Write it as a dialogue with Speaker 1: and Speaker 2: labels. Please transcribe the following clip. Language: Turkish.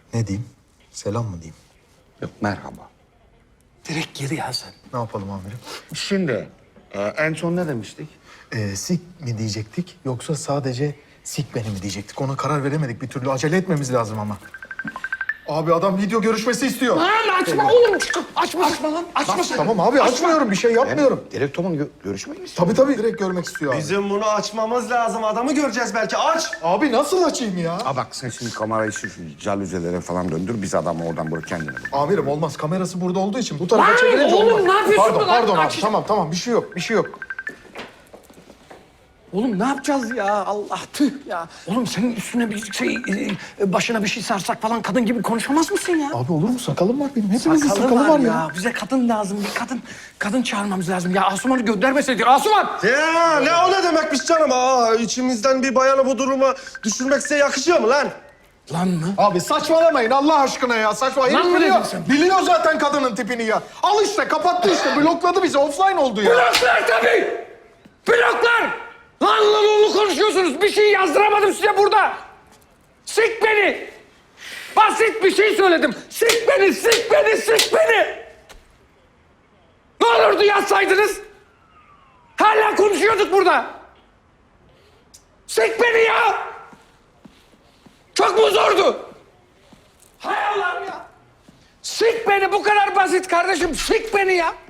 Speaker 1: Ne diyeyim? Selam mı diyeyim?
Speaker 2: Yok, merhaba.
Speaker 3: Direkt gir ya sen.
Speaker 1: Ne yapalım amirim?
Speaker 2: Şimdi en son ne demiştik?
Speaker 1: Sik mi diyecektik yoksa sadece sik beni mi diyecektik? Ona karar veremedik bir türlü. Acele etmemiz lazım ama. Abi adam video görüşmesi istiyor.
Speaker 3: Lan açma oğlum. Açma lan. Açma sen.
Speaker 1: Tamam abi açmıyorum bir şey yapmıyorum.
Speaker 2: Direktörün görüşmeyi mi istiyor?
Speaker 1: Tabii direkt görmek istiyor abi.
Speaker 4: Bizim bunu açmamız lazım. Adamı göreceğiz belki. Aç.
Speaker 1: Abi nasıl açayım ya?
Speaker 2: Aa bak sen şimdi kamerayı şu jalüzelere falan döndür. Biz adamı oradan buraya kendine bak.
Speaker 1: Amirim olmaz. Kamerası burada olduğu için bu tarafa
Speaker 3: Lan
Speaker 1: çevirince
Speaker 3: oğlum,
Speaker 1: olmaz.
Speaker 3: ne yapıyorsun
Speaker 1: Pardon,
Speaker 3: lan?
Speaker 1: pardon abi.
Speaker 3: Aç.
Speaker 1: Tamam. Bir şey yok.
Speaker 3: Oğlum ne yapacağız ya? Allah tüh ya. Oğlum senin üstüne bir şey, başına bir şey sarsak falan kadın gibi konuşamaz mısın ya?
Speaker 1: Abi olur mu? Sakalım var benim. Hepimizin sakalı var ya.
Speaker 3: Bize kadın lazım. Bir kadın çağırmamız lazım. Ya Asuman'ı göndermeseydik. Asuman!
Speaker 4: Ya ne o ne demekmiş canım? İçimizden bir bayanı bu duruma düşürmek size yakışıyor mu lan?
Speaker 3: Lan mı?
Speaker 1: Abi saçmalamayın Allah aşkına ya. Saçma.
Speaker 3: Lan
Speaker 1: Herif
Speaker 3: mı
Speaker 1: biliyor.
Speaker 3: dedin sen?
Speaker 1: Biliyor zaten kadının tipini ya. Al işte kapattı işte. Blokladı bizi. Offline oldu ya.
Speaker 3: Bloklar tabii! Bloklar! Lan konuşuyorsunuz. Bir şey yazdıramadım size burada. Sik beni! Basit bir şey söyledim. Sik beni! Ne olurdu yazsaydınız? Hala konuşuyorduk burada. Sik beni ya! Çok mu zordu? Hay Allah'ım ya! Sik beni, bu kadar basit kardeşim. Sik beni ya!